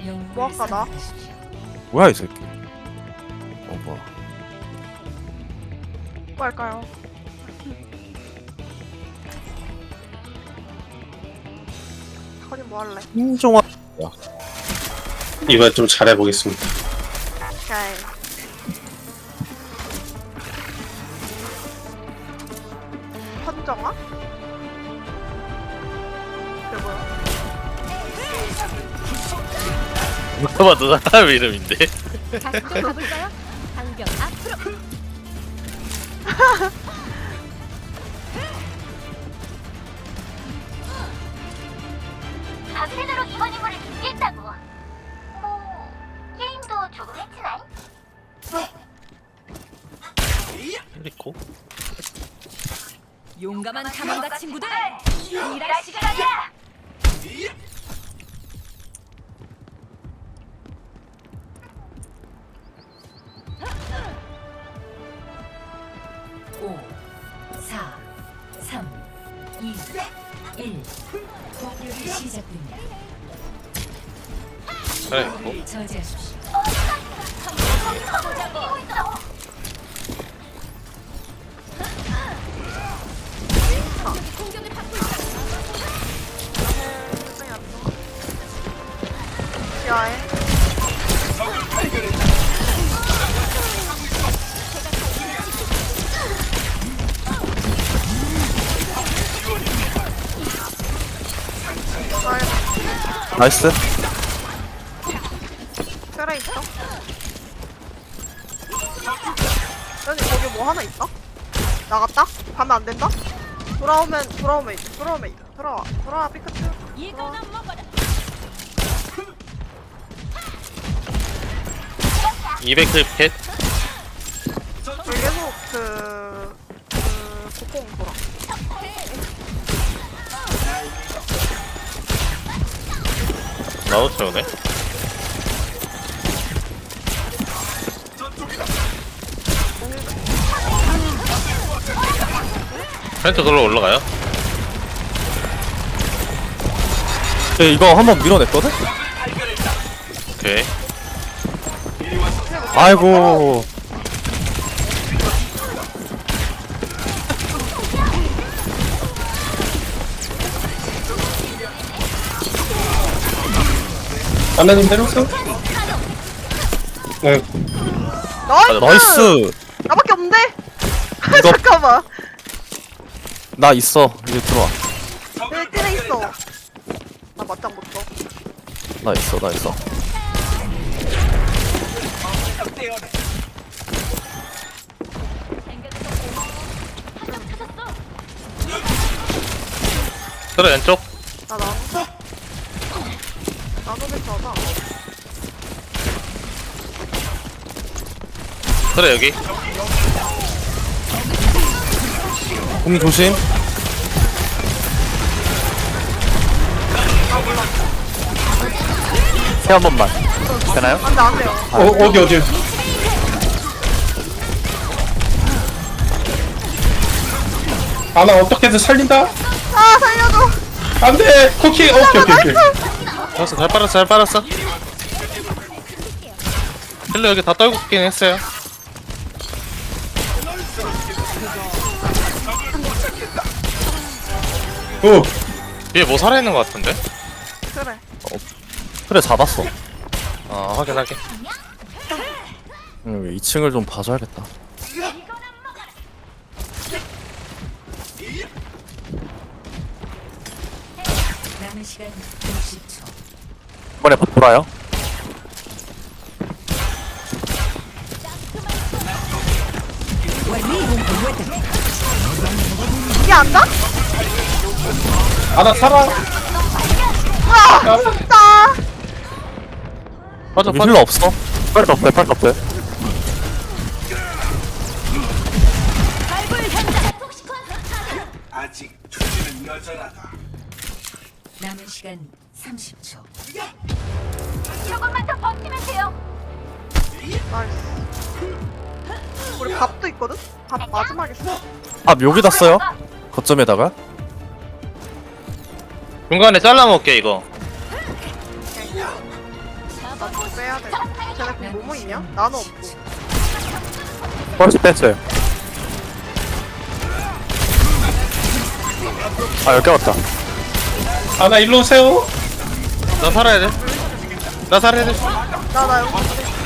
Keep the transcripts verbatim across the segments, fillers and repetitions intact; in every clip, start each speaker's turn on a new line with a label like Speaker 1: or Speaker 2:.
Speaker 1: 뭐 할까 나?
Speaker 2: 뭐야 이 새끼. 어 뭐야.
Speaker 1: 뭐 할까요? 허니 뭐 할래?
Speaker 2: 인종아.
Speaker 3: 이번에 좀 잘해보겠습니다.
Speaker 1: 오케이. 헌정아? 그게 뭐야?
Speaker 4: 누가 봐도 사람 이름인데.
Speaker 5: 다시 또 가볼까요? 방벽 앞으로.
Speaker 6: 밤새도록 이번 임무를 준비했다고. 뭐 게임도 조금 했지나이?
Speaker 4: 리코?
Speaker 5: 용감한 탐험가 친구들.
Speaker 6: 일할 시간이야.
Speaker 5: 오, 사, 삼, 이, 일. 공격이 시작됩니다.
Speaker 4: 그래, 뭐?
Speaker 5: 저지하십시오. 공격을 받고 있다.
Speaker 1: 야해.
Speaker 2: 나이스.
Speaker 1: 쇠라 있어? 여기 거기 뭐 하나 있어? 나갔다? 가면 안 된다? 돌아오면 돌아오면 이제 돌아오면 이제 돌아와 돌아와 피카츄.
Speaker 5: 이거나 먹어라.
Speaker 4: 이백 클펫?
Speaker 1: 여기 계속 그... 그... 곡공 돌아.
Speaker 4: 나도 채우네. 펜트 걸로 올라가요?
Speaker 2: 네, 이거 한번 밀어냈거든?
Speaker 4: 오케이.
Speaker 2: 아이고.
Speaker 3: 하나님 내려오세요. 네.
Speaker 1: 나이스!
Speaker 2: 나이스.
Speaker 1: 나밖에 없는데?
Speaker 2: 이거-
Speaker 1: 잠깐만.
Speaker 2: 나 있어. 이제 들어와.
Speaker 1: 여기 뜰에 있어. 나 맞짱 못 쳐.
Speaker 2: 나 있어. 나 있어.
Speaker 4: 그래, 왼쪽.
Speaker 1: 나 나눠. 나눠서 쳐봐.
Speaker 4: 그래, 여기.
Speaker 2: 공이 조심. 새 한 번만. 되나요?
Speaker 1: 안 돼, 안 돼요.
Speaker 3: 어, 어디 어디? 아, 나 어떻게든 살린다.
Speaker 1: 아, 살려줘!
Speaker 3: 안돼. 쿠키. 오케이 오케이 오케이.
Speaker 4: 알았어, 잘 빨았어, 잘 빨았어. 힐러 여기 다 떨고 있긴 했어요.
Speaker 3: 오.
Speaker 4: 뒤에 뭐 살아있는 것 같은데?
Speaker 1: 그래.
Speaker 2: 그래 잡았어.
Speaker 4: 아, 확인, 확인.
Speaker 2: 음, 이 층을 좀 봐줘야겠다.
Speaker 5: 남은 시간 육십 초.
Speaker 2: 이번에 바 돌아요.
Speaker 1: 이게 앉아?
Speaker 3: 아, 나 살아.
Speaker 1: 아! 진짜!
Speaker 4: 빠져,
Speaker 2: 여기
Speaker 4: 빠져.
Speaker 2: 힐러 없어. 빨리 없대. 빨리 없대.
Speaker 7: 아직 주제는 여전하다.
Speaker 5: 남은 시간 삼십 초.
Speaker 6: 조금만 더 버티면 돼요.
Speaker 1: 나이스. 우리 밥도 있거든? 밥 마지막에 써.
Speaker 2: 아 여기다 써요? 거점에다가.
Speaker 4: 중간에 잘라먹게, 이거.
Speaker 1: 나좀 빼야 돼. 쟤네 그 뭐뭐 있냐? 나는 없고.
Speaker 2: 벌써 뺐어요. 아 여기 왔다.
Speaker 3: 아나 일로 오세요.
Speaker 4: 나 살아야 돼. 나 살아야 돼.
Speaker 1: 나, 나 여기.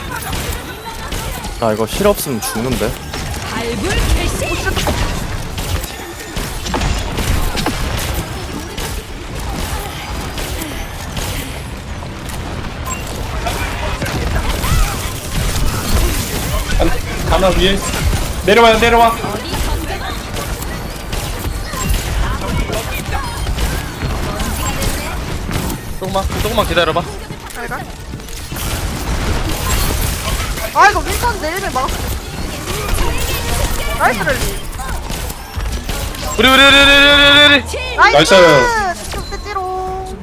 Speaker 2: 나 이거 힐 없으면 죽는데.
Speaker 5: 발굴 개시.
Speaker 3: 아나 위에 있어. 내려와요 내려와.
Speaker 4: 조금만 조금만 기다려봐.
Speaker 1: 잘 가. 아, 이거 윈선 내리면 막았어. 나이스 랠리.
Speaker 4: 우리 우리 우리 우리 우리 우리.
Speaker 1: 나이스!
Speaker 3: 나이스.
Speaker 1: 직접 뜯지롱.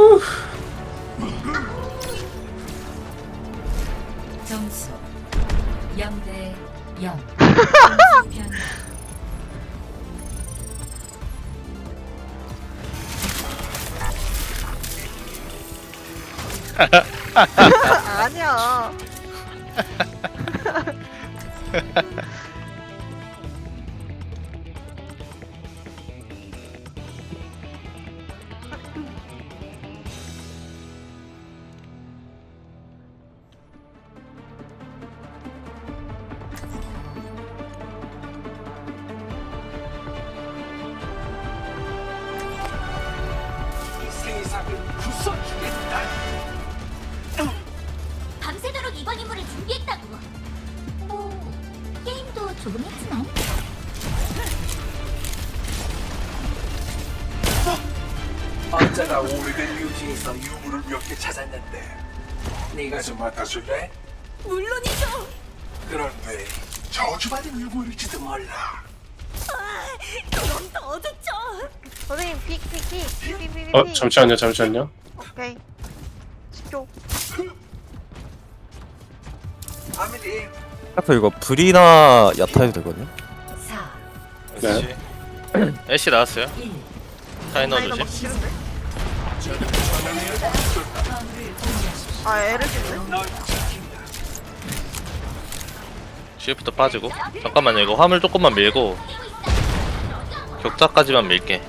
Speaker 5: 점수 영 대 영.
Speaker 1: 아니야.
Speaker 7: 이 세상을 부숴주겠다.
Speaker 6: 밤새도록 이번 임무를 준비했다고. 뭐 게임도 조금 했지만.
Speaker 7: 언제나 오래된 유지에서 유물을 몇 개 찾았는데 네가 좀 맡아줄래?
Speaker 6: 물론이죠.
Speaker 7: 그런데 저주받은 유물일지도 몰라.
Speaker 6: 그럼 더 좋죠.
Speaker 1: 선생님, 픽, 픽, 픽. 픽, 픽, 픽, 픽.
Speaker 3: 어 잠시만요 잠시만요.
Speaker 1: 오케이. 십 초.
Speaker 7: 아밀리
Speaker 2: 하프 이거 불이나 야타 해도 되거든요.
Speaker 5: 사,
Speaker 3: 네.
Speaker 4: 애쉬 나왔어요.
Speaker 5: 일.
Speaker 4: 타이
Speaker 1: 나 이거
Speaker 4: 넣어주지.
Speaker 1: 막 싫은데? 아, 애를 씹네?
Speaker 4: 쉬프트 빠지고. 잠깐만요. 이거 화물 조금만 밀고 격자까지만 밀게.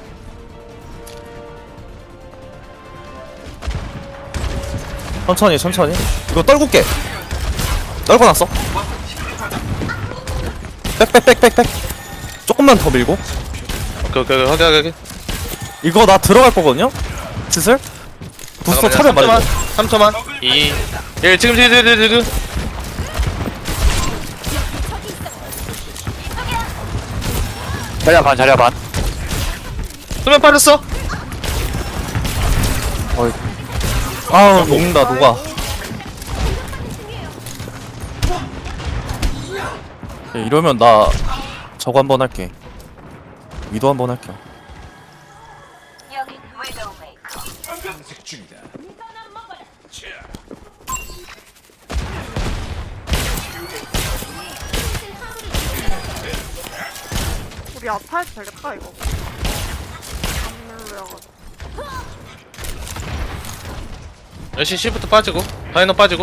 Speaker 2: 천천히 천천히. 이거 떨굴게. 떨궈놨어. 빽빽빽빽빽. 조금만 더 밀고.
Speaker 4: 오케이 오케이 오케이 확인 확인 확인.
Speaker 2: 이거 나 들어갈 거거든요. 슬슬. 부스터 차려
Speaker 4: 잠깐만요.
Speaker 2: 말고.
Speaker 4: 삼 초만. 이, 일 지금 지금 지금 지금.
Speaker 2: 자리야 반 자리야 반.
Speaker 4: 수면 빠졌어.
Speaker 2: 어이. 아우 녹는다 녹아. 야, 이러면 나 저거 한번 할게. 위도 한번 할게.
Speaker 6: 여기 위도우 메이커.
Speaker 7: 검색 중이다.
Speaker 1: 우리 아타 해도 되겠다, 이거. 안물려가지고.
Speaker 4: 애쉬 쉬프트 빠지고. 다이너 빠지고.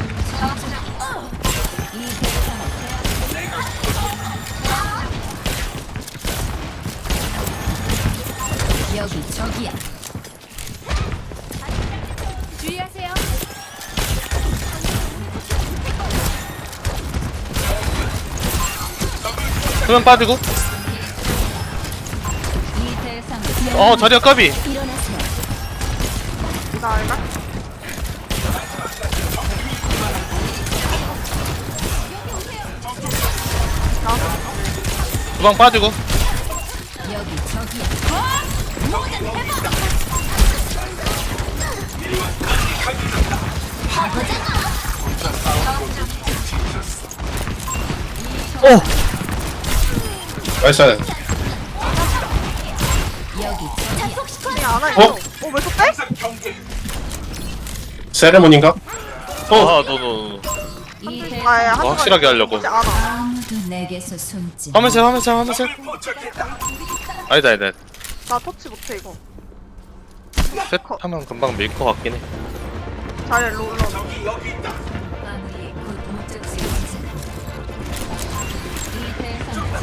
Speaker 5: 여기 저기야. 주의하세요.
Speaker 4: 수면 빠지고.
Speaker 5: 이 대상
Speaker 4: 어 자리야 까비.
Speaker 5: 일어나세요.
Speaker 1: 나 알가?
Speaker 4: 주방 빠지고.
Speaker 5: 여기 저기야.
Speaker 2: 오.
Speaker 3: 나이스.
Speaker 5: 여기
Speaker 1: 아니, 안 하겠어.
Speaker 3: 어?
Speaker 1: 어, 왜 또 빼?
Speaker 7: 경계
Speaker 3: 세레모니인가?
Speaker 4: 어, 너, 너, 너.
Speaker 5: 이
Speaker 1: 아, 예,
Speaker 5: 대상
Speaker 1: 한
Speaker 4: 어, 확실하게 하려고.
Speaker 1: 이제 안 와.
Speaker 5: 아무도 내게서 숨지.
Speaker 4: 화면색, 화면색, 화면색.
Speaker 7: 포착했다.
Speaker 4: 아니다, 아니다.
Speaker 1: 나 터치 못해, 이거.
Speaker 4: 셋 하면 금방 밀 것 같긴 해.
Speaker 1: 자리에 일로 올라오자.
Speaker 7: 적이 여기 있다.
Speaker 5: 마무리 곧 목적지에 도착한다. 이 대상을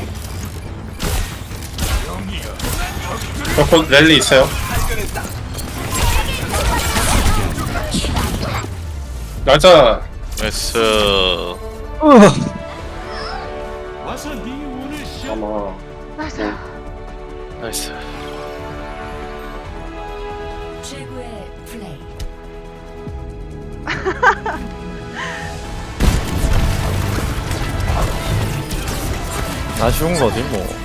Speaker 5: 제압해.
Speaker 3: 저곧 랠리 있어요.
Speaker 7: 발견했다.
Speaker 3: 맞아.
Speaker 4: 나이스.
Speaker 3: 어머.
Speaker 1: 나이스.
Speaker 4: 나이스.
Speaker 5: 최고의 플레이.
Speaker 2: 아쉬운 거지 뭐.